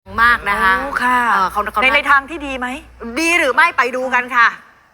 มากนะคะค่ะเขาในทางที่ดีไหมดีหรือไม่ไปดูกันค่ะ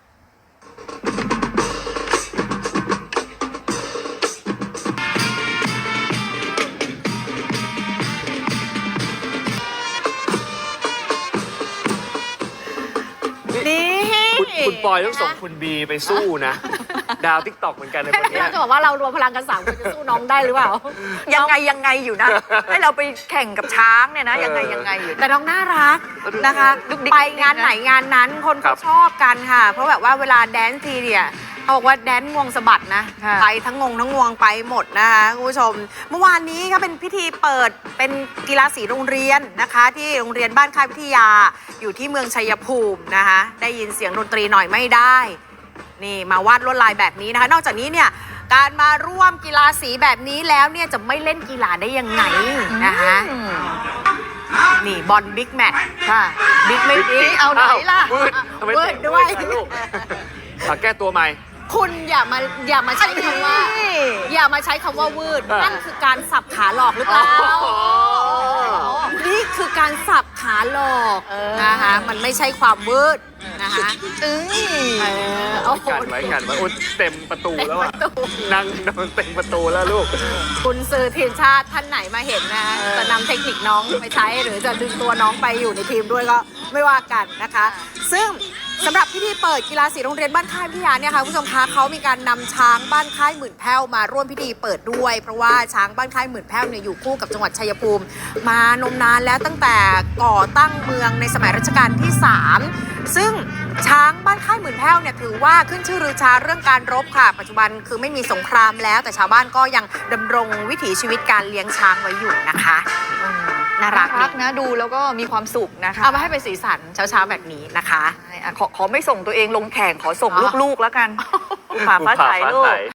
นี่คุณปอยต้องส่งคุณบีไปสู้นะ ดาวทิกตอกเหมือนกันในคนเนี้ยเราจะบอกว่าเรารวมพลังกัน3 คนจะสู้น้องได้หรือเปล่ายังไงอยู่นะ ให้เราไปแข่งกับช้างเนี่ยนะ ยังไงอยู่แต่น้องน่ารักนะคะดุ๊กดิ๊กไปงานไหนงานนั้นคนครัเขาบชอบกันค่ะ เพราะแบบว่าเวลาแดนซ์ทีเนี่ยเขาบอกว่าแดนซ์งวงสะบัดนะค่ะไปทั้งงวงไปหมดนะคะคุณผู้ชม เมื่อวานนี้ก็เป็นพิธีเปิดเป็นกีฬาสีโรงเรียนนะคะ ที่โรงเรียนบ้านค่ายวิทยาอยู่ที่เมืองชัยภูมินะคะได้ยินเสียงดนตรีหน่อยไม่ได้ นี่มาวาดลวดลายแบบนี้นะคะ นอกจากนี้เนี่ยการมาร่วมกีฬาสีแบบนี้แล้วเนี่ยจะไม่เล่นกีฬาได้ยังไงนะคะนี่บอลบิ๊กแมตช์ค่ะบิ๊กไม่บิ๊กเอาไหนล่ะวืดทำไมวืดด้วยล่ะลูกแก้ตัวใหม่คุณอย่ามาใช้คำว่า อย่ามาใช้คำว่าวืดอ่านั่นั่นคือการสับขาหลอกหรือเปล่าอ๋อนี่คือการสับขาหลอกนะคะมันไม่ใช่ความวืดนะคะโอ้โหกันไว้อุ๊ยเต็มประตูแล้วอะเต็มประตูนั่งนอนเต็มประตูแล้วลูกคุณซื้อทีมชาติท่านไหนมาเห็นนะจะนำเทคนิคน้องไปใช้หรือจะดึงตัวน้องไปอยู่ในทีมด้วยก็ไม่ว่ากันนะคะ ซึ่งสำหรับพิธีเปิดกีฬาสีโรงเรียนบ้านค่ายวิทยาเนี่ยค่ะคุณผู้ชมคะเขามีการนำช้างบ้านค่ายหมื่นแพ้วมาร่วมพิธีเปิดด้วย เพราะว่าช้างบ้านค่ายหมื่นแพ้วเนี่ยอยู่คู่กับจังหวัดชัยภูมิ มานมนานแล้วตั้งแต่ก่อตั้งเมืองในสมัยรัชกาลที่ 3 ซึ่งช้างบ้านค่ายหมื่นแพ้วเนี่ยถือว่าขึ้นชื่อรือชาเรื่องการรบค่ะ ปัจจุบันคือไม่มีสงครามแล้ว แต่ชาวบ้านก็ยังดำรงวิถีชีวิตการเลี้ยงช้างไว้อยู่นะคะน่ารักนะดูแล้วก็มีความสุขนะคะเอามาให้เป็นสีสันเช้าๆแบบนี้นะคะขอไม่ส่งตัวเองลงแข่งขอส่งอ๋อลูกๆแล้วกัน ฝ่าฟ้าใสลูก